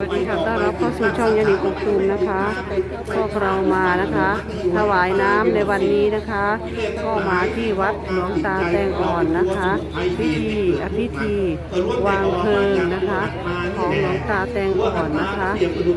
วัสดีค่ะต้อนรับเข้าสู่ช่องยานิกกตูมนะคะพวกเรามานะคะถวายน้ำในวันนี้นะคะก็มาที่วัดหลวงตาแตงอ่อนนะคะพิธีวางเพลิงนะคะของหลวงตาแตงอ่อนนะคะ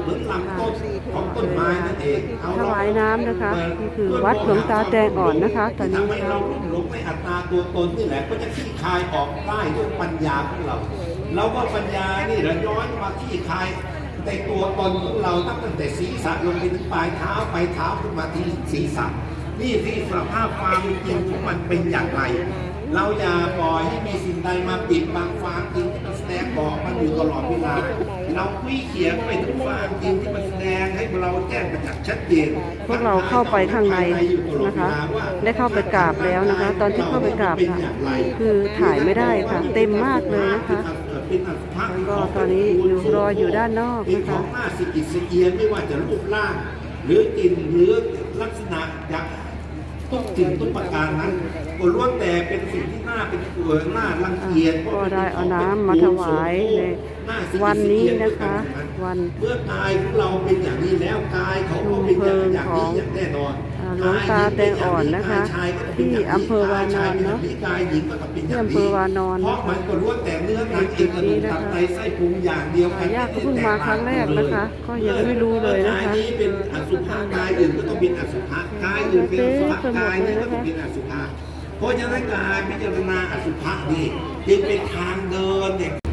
ถวายน้ำนะคะนี่คือวัดหลวงตาแตงอ่อนนะคะตอนนี้เราหลงในอัตตาตัวตนนี่แหละก็จะขี้คายออกได้ด้วยปัญญาของเราก็ปัญญานี่เราย้อนมาขี้คายในตัวตนของเราตั้งแต่ศีรษะลงไปถึงปลายเท้าไปเท้าขึ้นมาที่ศีรษะนี่ที่สภาพความจริงของมันเป็นอย่างไรเราอย่าปล่อยให้มีสิ่งใดมาปิดบังความจริงที่มันแสดงบอกมันอยู่ตลอดเวลาเราคุยเขียนไปถึงความจริงที่มันแสดงให้เราแจ้งประจักษ์ชัดเจนพวกเราเข้าไปข้างในนะคะได้เข้าไปกราบแล้วนะคะตอนที่เข้าไปกราบค่ะคือถ่ายไม่ได้ค่ะเต็มมากเลยนะคะก็ตอนนี้รออยู่ด้านนอกนะคะของหน้าสิกิสเอียนไม่ว่าจะรูปร่างหรือกลิ่นหรือลักษณะอย่างทุกสิ่งทุกประการนั้นก็ล้วนแต่เป็นสิ่งที่น่าเป็นตัวน่ารังเกียจก็ได้เอาน้ำมาถวายในวันนี้นะคะวันเมื่อกายของเราเป็นอย่างนี้แล้วกายเขาก็เป็นอย่างนี้อย่างแน่นอนหลวงตาแตงอ่อนนะคะที่อำเภอวานอนเนาะที่อำเภอวานอนเพราะมันก็ล้วนแต่เนื้อหนังเอ็นกระดูกตับไตไส้พุงอย่างเดียวกันญาติก็เพิ่งมาครั้งแรกนะคะก็ยังไม่รู้เลยนะคะกายนี้เป็นอสุภะกายอื่นก็ต้องเป็นอสุภะกายอื่นเป็นอสุภะกายนี้ก็ต้องเป็นอสุภะเพราะฉะนั้นการพิจารณาอสุภะนี่จึงเป็นทางเดินเนี่ย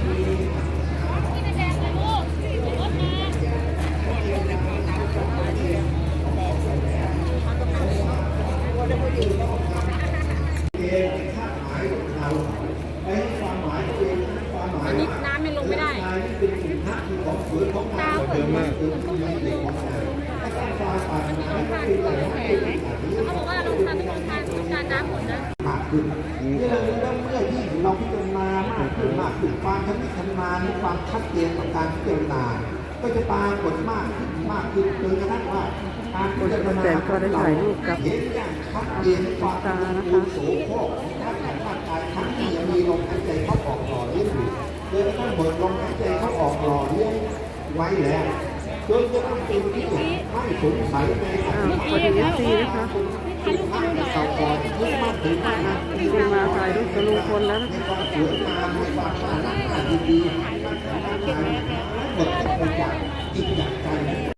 อันนี้น้ำไม่ลงไม่ได้ตาเปิดมากเขาบอกว่าเราทำเป็นการน้ำหมดนะมากขึ้นเมื่อยิ่งเราพิจารณามากขึ้นความชำนาญความชัดเจนของการพิจารณาก็จะปรากฏมากขึ้นจนกระทั่งว่าการพิจารณาก็ได้ถ่ายรูปกับเห็นอย่างชัดเจนความตานะคะโสโครกทั้งร่างกายทั้งที่ยังมีลมหายใจเข้าออกหล่อเลี้ยงอยู่โดยต้องเปิดลมหายใจเข้าออกหล่อเลี้ยงไว้แล้วจนจะต้องเป็นที่ไม่สงสัยในอดีตนะคะเก่าก่อนที่มากถึงมากที่มาถ่ายรูปกับลุงพลแล้วนะคะความสวยงามในความน่ารักดีๆหมดทุกอย่างจิตจากใจ